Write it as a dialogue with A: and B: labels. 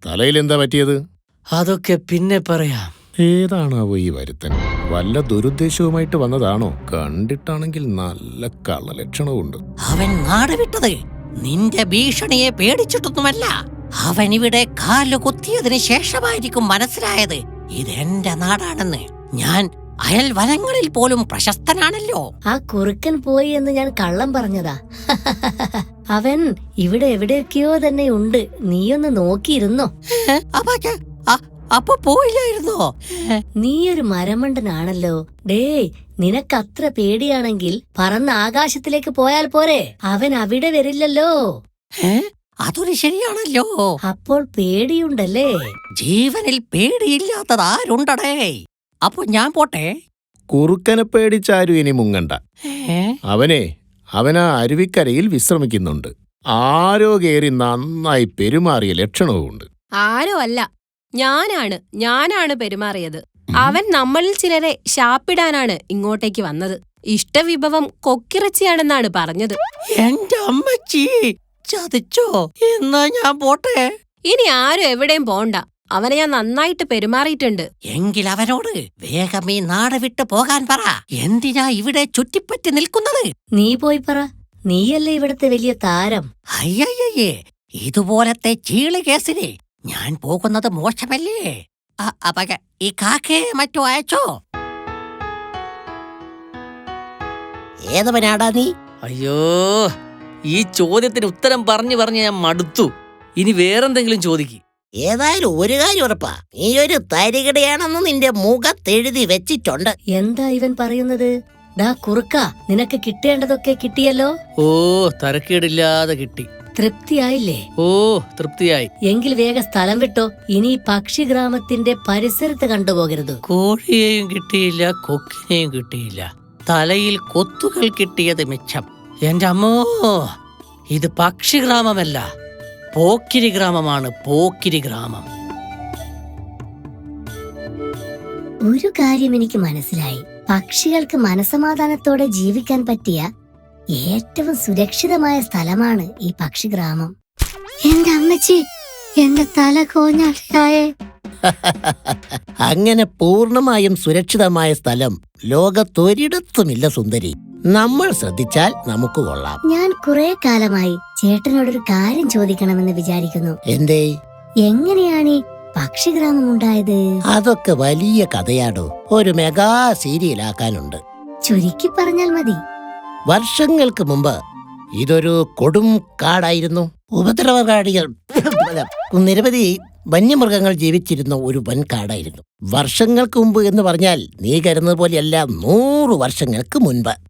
A: തലയിൽ എന്താ പറ്റിയത്?
B: അതൊക്കെ പിന്നെ പറയാം.
A: ഏതാണാവോ ഈ വരുത്തൻ? വല്ല ദുരുദ്ദേശവുമായിട്ട് വന്നതാണോ? കണ്ടിട്ടാണെങ്കിൽ നല്ല കള്ളലക്ഷണവുമുണ്ട്.
C: അവൻ നാട് വിട്ടത് നിന്റെ ഭീഷണിയെ പേടിച്ചിട്ടൊന്നുമല്ല. അവൻ ഇവിടെ കാല് കുത്തിയതിന് ശേഷമായിരിക്കും മനസ്സിലായത് ഇതെന്റെ നാടാണെന്ന്. ഞാൻ അയൽ വനങ്ങളിൽ പോലും പ്രശസ്തനാണല്ലോ.
D: ആ കുറുക്കൻ പോയി എന്ന് ഞാൻ കള്ളം പറഞ്ഞതാ. അവൻ ഇവിടെ എവിടെയൊക്കെയോ തന്നെ ഉണ്ട്. നീയൊന്ന് നോക്കിയിരുന്നോ?
C: അപ്പൊ പോയില്ലായിരുന്നോ?
D: നീയൊരു മരമണ്ടനാണല്ലോ. ഡേയ്, നിനക്കത്ര പേടിയാണെങ്കിൽ പറന്ന് ആകാശത്തിലേക്ക് പോയാൽ പോരെ? അവൻ അവിടെ വരില്ലല്ലോ.
C: അതൊരു ശരിയാണല്ലോ.
D: അപ്പോൾ പേടിയുണ്ടല്ലേ?
C: ജീവനിൽ പേടിയില്ലാത്തത് ആരുണ്ടടേ? അപ്പൊ ഞാൻ പോട്ടെ.
A: കുറുക്കനെ പേടിച്ചാരും ഇനി മുങ്ങണ്ട. അവനാ അരുവിക്കരയിൽ വിശ്രമിക്കുന്നുണ്ട്. ആരോ കേറി നന്നായി പെരുമാറിയ ലക്ഷണവുമുണ്ട്.
E: ആരോ അല്ല, ഞാനാണ് പെരുമാറിയത്. അവൻ നമ്മളിൽ ചിലരെ ശാപ്പിടാനാണ് ഇങ്ങോട്ടേക്ക് വന്നത്. ഇഷ്ടവിഭവം കൊക്കിറച്ചിയാണെന്നാണ് പറഞ്ഞത്.
C: എന്റെ അമ്മച്ചി ചതിച്ചോ? എന്നാ ഞാൻ പോട്ടെ.
E: ഇനി ആരും എവിടെയും പോണ്ട. അവനെ ഞാൻ നന്നായിട്ട് പെരുമാറിയിട്ടുണ്ട്.
C: എങ്കിൽ അവനോട് വേഗം ഈ നാട് വിട്ടു പോകാൻ പറ. എന്തിനാ ഇവിടെ ചുറ്റിപ്പറ്റി നിൽക്കുന്നത്?
D: നീ പോയി പറ. നീയല്ലേ ഇവിടത്തെ വലിയ താരം.
C: അയ്യയ്യേ, ഇതുപോലത്തെ ചീളി കേസിന് ഞാൻ പോകുന്നത് മോശമല്ലേ? ഈ കാക്കയെ മറ്റോ അയച്ചോ? ഏതവനാടാ നീ?
B: അയ്യോ, ഈ ചോദ്യത്തിന് ഉത്തരം പറഞ്ഞു ഞാൻ മടുത്തു. ഇനി വേറെന്തെങ്കിലും ചോദിക്ക്.
C: ഏതായാലും ഒരു കാര്യം ഉറപ്പാ, നീ ഒരു തരികിടയാണെന്ന് നിന്റെ മുഖത്തെഴുതി വെച്ചിട്ടുണ്ട്.
D: എന്താ ഇവൻ പറയുന്നത്? ഡാ കുറുക്ക, നിനക്ക് കിട്ടേണ്ടതൊക്കെ കിട്ടിയല്ലോ.
B: ഓ, തരക്കേടില്ലാതെ കിട്ടി.
D: തൃപ്തിയായില്ലേ?
B: ഓ, തൃപ്തിയായി.
D: എങ്കിൽ വേഗം സ്ഥലം വിട്ടോ. ഇനി പക്ഷിഗ്രാമത്തിന്റെ പരിസരത്ത് കണ്ടുപോകരുത്.
C: കോഴിയെയും കിട്ടിയില്ല, കൊക്കിനെയും കിട്ടിയില്ല. തലയിൽ കൊത്തുകൾ കിട്ടിയത് മിച്ചം. എന്റെ അമ്മോ, ഇത് പക്ഷിഗ്രാമമല്ല, പോക്കിരി ഗ്രാമമാണ്. പോക്കിരി ഗ്രാമം.
D: ഒരു കാര്യം എനിക്ക് മനസ്സിലായി. പക്ഷികൾക്ക് മനസമാധാനത്തോടെ ജീവിക്കാൻ പറ്റിയ ഏറ്റവും സുരക്ഷിതമായ സ്ഥലമാണ് ഈ പക്ഷിഗ്രാമം. എന്റെ അമ്മച്ചി, എന്റെ തല കോഞ്ഞാലേ.
C: അങ്ങനെ പൂർണ്ണമായും സുരക്ഷിതമായ സ്ഥലം ലോകത്തൊരിടത്തുമില്ല സുന്ദരി. നമ്മൾ ശ്രദ്ധിച്ചാൽ നമുക്ക് കൊള്ളാം.
D: ഞാൻ കുറെ കാലമായി ചേട്ടനോടൊരു കാര്യം ചോദിക്കണമെന്ന് വിചാരിക്കുന്നു.
C: എന്തേ?
D: എങ്ങനെയാണ് ഈ പക്ഷിഗ്രാമം ഉണ്ടായത്?
C: അതൊക്കെ വലിയ കഥയാടോ. ഒരു മെഗാ സീരിയലാക്കാനുണ്ട്.
D: ചുരുക്കി പറഞ്ഞാൽ മതി.
C: വർഷങ്ങൾക്ക് മുമ്പ് ഇതൊരു കൊടും കാടായിരുന്നു. ഉപദ്രവകാരികൾ നിരവധി വന്യമൃഗങ്ങൾ ജീവിച്ചിരുന്ന ഒരു വൻ കാടായിരുന്നു. വർഷങ്ങൾക്ക് മുമ്പ് എന്ന് പറഞ്ഞാൽ നീ കരുതുന്നത് പോലെയല്ല, 100 വർഷങ്ങൾക്ക് മുൻപ്.